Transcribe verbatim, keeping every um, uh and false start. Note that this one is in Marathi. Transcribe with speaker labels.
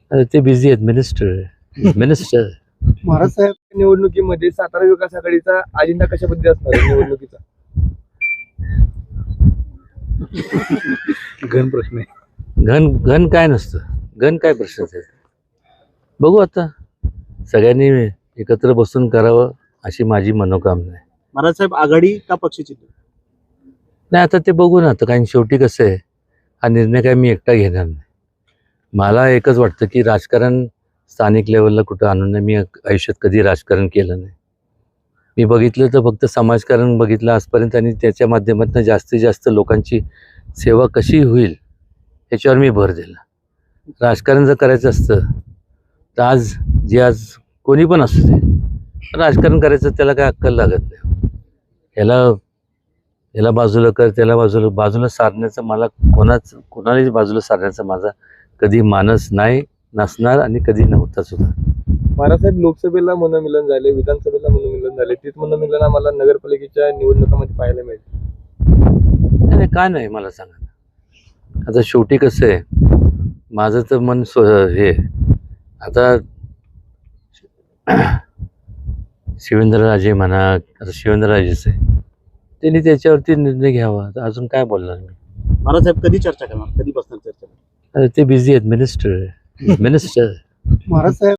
Speaker 1: अरे ते बिझी आहेत, मिनिस्टर मिनिस्टर
Speaker 2: महाराज साहेब, निवडणुकीमध्ये सातारा विकास आघाडीचा अजेंडा कशा पद्धती असणार आहे निवडणुकीचा? घन प्रश्न आहे.
Speaker 1: घन घन काय नसतं, घन काय प्रश्नच आहे. बघू आता, सगळ्यांनी एकत्र बसून करावं अशी माझी मनोकामना आहे.
Speaker 3: महाराज साहेब, आघाडी का पक्षचिन्ह?
Speaker 1: नाही, आता ते बघू ना. आता कारण शेवटी कसं आहे, हा निर्णय काय मी एकटा घेणार नाही. मला एकच वाटतं की राजकारण स्थानिक लेवलला कुठं आणून नाही. मी आयुष्यात कधी राजकारण केलं नाही. मी बघितलं तर फक्त समाजकारण बघितलं आजपर्यंत, आणि त्याच्या माध्यमातून जास्तीत जास्त लोकांची सेवा कशी होईल याच्यावर मी भर दिला. राजकारण जर करायचं असतं तर आज जे आज कोणी पण असू दे, राजकारण करायचं त्याला काय अक्कल लागत नाही. याला याला बाजूला कर, त्याला बाजूला बाजूला सारण्याचं मला कोणाच कोणालाच बाजूला सारण्याचा माझा कधी मानस नाही, नसणार आणि कधी नव्हता सुद्धा.
Speaker 2: महाराज साहेब, लोकसभेला मनोमिलन झाले, विधानसभेला मनोमिलन झाले, तीच मनोमिलन आम्हाला नगरपालिकेच्या निवडणुकामध्ये पाहायला मिळते.
Speaker 1: नाही, काय नाही मला सांगा. आता शेवटी कसं आहे, माझं तर मन स्व हे आता शिवेंद्रराजे म्हणा, आता शिवेंद्रराजेच आहे, त्यांनी त्याच्यावरती निर्णय घ्यावा. आता अजून काय बोलणार मी.
Speaker 3: महाराज साहेब, कधी चर्चा करणार, कधी बसणार चर्चा?
Speaker 1: अरे ते बिझी आहेत, मिनिस्टर मिनिस्टर
Speaker 2: महाराज साहेब